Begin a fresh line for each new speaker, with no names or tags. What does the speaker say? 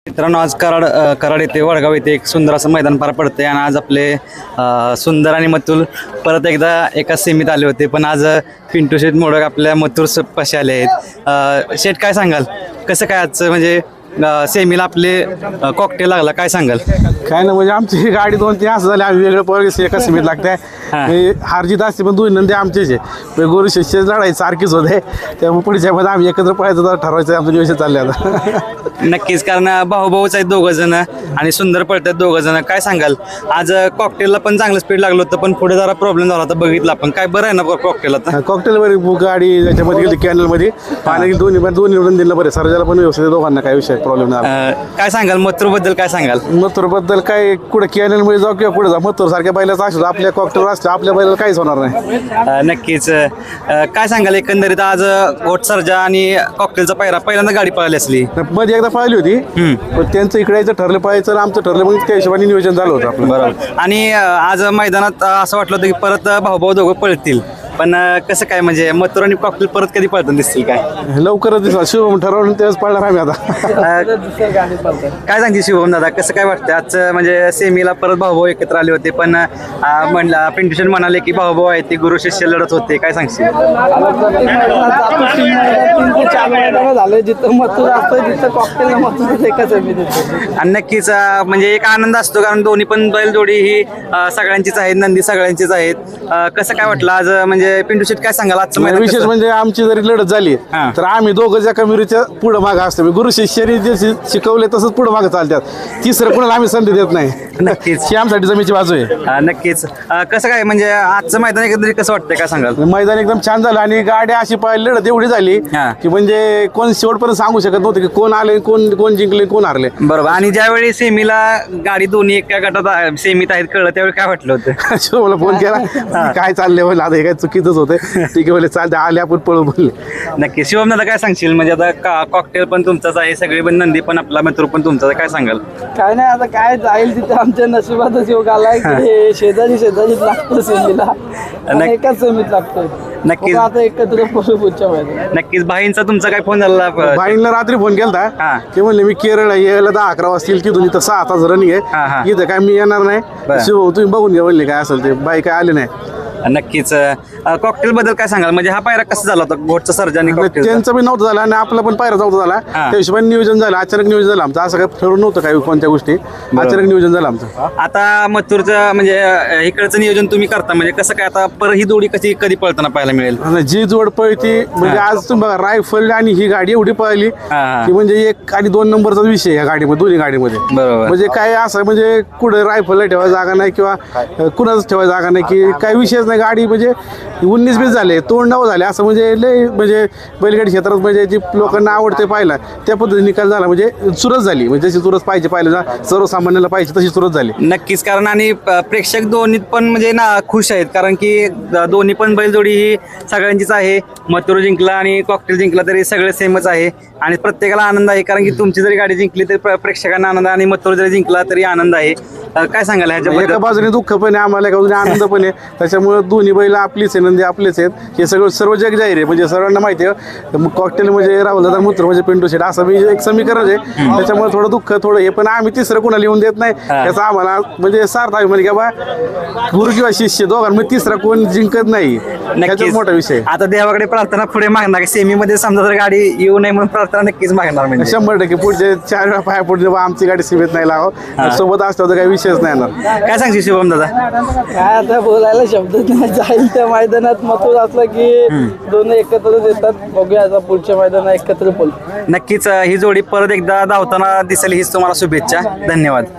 मित्रांनो, आज कराड येथे वडगाव येथे एक सुंदर असं मैदान पार पडते आणि आज आपले सुंदर आणि मथुर परत एकदा एका सेमीत आले होते. पण आज पिंटू शेठ मोडक आपल्या मथुर पाशी आले आहेत. शेठ, काय सांगाल, कसं काय आजचं म्हणजे सेमीला आपले कॉकटेल लागला, काय सांगाल?
काय ना, म्हणजे आमची गाडी 2-3 असं झाले, आम्ही वेगळं पळगे एका सीमेत लागते. हारजीत असते पण दोन्ही नंदी आमचेच आहे. गुरु शिष्य लढाई सारखीच होते, त्यामुळे पुढच्या मध्ये आम्ही एकत्र पळायचं ठरवायचं आमचं नियोजन चालले आता.
नक्कीच, कारण भाऊच आहेत दोघं जण आणि सुंदर पळतात दोघं जण. काय सांगाल, आज कॉकटेलला पण चांगलं स्पीड लागलं होतं, पण पुढे जरा प्रॉब्लेम झाला होता, बघितला आपण. काय बरं आहे ना कॉकटेल आता?
कॉकटेलवर गाडी त्याच्यामध्ये गेली कॅनलमध्ये, पाणी दोन्ही नंदीला बरे सर्जाला पण व्यवस्थित, दोघांना काय विषय प्रॉब्लेम नाही.
काय सांगाल मथुर बद्दल, काय सांगाल?
मथुर बद्दल काय, कुठे कॅनलमध्ये जाऊ किंवा पुढे जा, मथुर सारख्या बैलाचा असतो, आपल्या कॉकटेलवर असतो, आपल्या बैलाला काहीच होणार नाही.
नक्कीच. काय सांगाल एकंदरीत आज घोट सर्जा आणि कॉकटेलचा पायरा पहिल्यांदा गाडी पळाली असली?
मध्ये एकदा पाहिली होती, पण त्यांचं इकडे यायचं ठरलं पाहायचं, आमचं ठरलं, मग त्या हिशोबाने नियोजन झालं होतं आपलं.
बरोबर. आणि आज मैदानात असं वाटलं होतं की परत भाऊ दोघं पळतील, पण कसं काय, म्हणजे मथुर आणि कॉकटेल परत कधी पळताना दिसतील? काय
लवकरच दिसला, शिवम ठरवलं तेव्हाच पळणार आम्ही आता.
काय सांगते शिवम दादा, कसं काय वाटतं आजचं, म्हणजे सेमीला परत भाऊ एकत्र आले होते, पण म्हणला पिंटू शेठ म्हणाले की भाऊ आहे ते गुरु शिष्य लढत होते, काय सांगशील?
झालं जिथं मथुर असतं तिथं कॉकटेल मथुर एकच आहे.
आणि नक्कीच म्हणजे एक आनंद असतो, कारण दोन्ही पण बैलजोडी ही सगळ्यांचीच आहेत, नंदी सगळ्यांचीच आहेत. कसं काय वाटलं आज, म्हणजे पिंटू शेठ काय सांगाल आजचं मैदान?
विशेष म्हणजे आमची जरी लढत झाली तर आम्ही दोघं ज्या कमिरीच्या पुढं मागं असतो, गुरु शिष्याने जे शिकवले तसंच पुढं मागं चालतात, तिसरं कुणाला आम्ही संधी देत नाही.
नक्कीच,
ही आमच्यासाठी जमीची बाजू आहे.
नक्कीच. कसं काय, म्हणजे आजचं मैदान एकंदरीत कसं वाटतंय, काय सांगाल?
मैदान एकदम छान झालं आणि गाडी अशी पाहिली, लढत एवढी झाली की म्हणजे कोण शेवटपर्यंत सांगू शकत नव्हतं की कोण आले, कोण जिंकले, कोण हारले.
बरोबर. आणि ज्यावेळी सेमीला गाडी दोन्ही एका गटात सेमीत आहेत कळलं, त्यावेळी काय वाटलं होतं?
शिवमला फोन केला, काय चाललंय बोल, आता हे काय चुकीचंच होते, ठीक आहे बोले, चालते, आले आपण पळू बोलले.
नक्की. शिवम दादा काय सांगशील, म्हणजे आता कॉकटेल पण तुमचाच आहे, सगळे पण नंदी पण आपला मित्र पण तुमचाच आहे, काय सांगाल?
काय नाही, आता काय जाईल तिथे आमच्या नशिबातच योग आलाय की शेजारीच लागतं सेमीला, एकाच सेमीत लागतोय.
नक्कीच.
आता एकत्र पुढच्या वेळेला
नक्कीच. भाईंचा तुमचा काय फोन झाला?
बाईंना रात्री फोन केलता, ते म्हणले मी केरळ यायला 10-11 वाजतील, की तुम्ही तर 6 तास रनिंग आहे, इथं काय मी येणार नाही, शिव तुम्ही बघून घ्या म्हणले काय असेल ते. बाई काय आले नाही.
नक्कीच. कॉकटेल बद्दल काय सांगाल, म्हणजे हा पायरा कसा झाला होता घोटचा सर्जा आणि कॉकटेल?
त्यांचं बी नव्हतं झालं आणि आपला पण पायरा नव्हता झाला, त्या हिशोबाने नियोजन झालं, अचानक नियोजन झालं आमचं, असं काय ठरवून नव्हतं काही कोणत्या गोष्टी, अचानक नियोजन झालं आमचं.
आता मथुरचं म्हणजे इकडचं नियोजन तुम्ही करता, म्हणजे कसं काय आता परत ही जोडी कधी पळताना पाहायला मिळेल?
जी जोड पळती म्हणजे आज तुम्ही बघा, रायफल आणि ही गाडी एवढी पळली की म्हणजे 1 आणि 2 नंबरचा विषय या गाडीमध्ये, दोन्ही गाडीमध्ये.
बरोबर.
म्हणजे काय असं म्हणजे कुठे रायफलला ठेवायला जागा नाही किंवा कुणाच ठेवायला जागा नाही, की काही विषयच नाही. गाडी म्हणजे 19-20 झाले, तोंड नाव झाले, असं म्हणजे लय म्हणजे बैलगाडी क्षेत्रात म्हणजे जी लोकांना आवडते पाहायला, त्या पद्धतीने निकाल झाला, म्हणजे चुरस झाली, म्हणजे जशी चुरस पाहिजे पाहिलं सर्वसामान्याला पाहिजे तशी चुरस झाली.
नक्कीच. कारण आणि प्रेक्षक दोन्ही पण म्हणजे ना खुश आहेत, कारण की दोन्ही पण बैलजोडी ही सगळ्यांचीच आहे. मथुर जिंकला आणि कॉकटेल जिंकला तरी सगळे सेमच आहे आणि प्रत्येकाला आनंद आहे, कारण की तुमची जरी गाडी जिंकली तरी प्रेक्षकांना आनंद आहे आणि मथुर जरी जिंकला तरी आनंद आहे. काय सांगाल ह्याच्याबद्दल?
एका बाजूने दुःख पण आहे आम्हाला, एका बाजूने आनंद पण आहे. त्याच्यामुळे दोन्ही बैल आपलीच आहे, नंदी आपलेच आहेत, हे सर्व जग जाहीर आहे, म्हणजे सर्वांना माहिती आहे. कॉकटेल म्हणजे राहुल दादा, मथुर म्हणजे पिंटू शेठ, असं मी एक समीकरण आहे. त्याच्यामुळे थोडं दुःख थोडं हे, पण आम्ही तिसरं कुणाला लिहून देत नाही, त्याचा आम्हाला म्हणजे सार्थ आहे, म्हणजे की बाबा गुरु किंवा शिष्य दोघांमध्ये तिसरा कोण जिंकत नाही, त्याच्यात मोठा विषय.
आता देवाकडे प्रार्थना पुढे मागणार, सेमीमध्ये समजा जर गाडी येऊ नये म्हणून प्रार्थना नक्कीच मागणार, म्हणजे
100% पुढचे 4 वेळा पाया पुढे आमची गाडी सीमेत नाही लावा, सोबत असतो तर काही विषयच नाही येणार.
काय सांगशील शिवम दादा?
काय आता बोलायला शब्दच नाही, जाईल त्या मैदानात मथुर असलं की दोन्ही एकत्रच येतात. बघूया आता पुढच्या मैदानात एकत्र बोल.
नक्कीच ही जोडी परत एकदा धावताना दिसेल हीच तुम्हाला शुभेच्छा. धन्यवाद.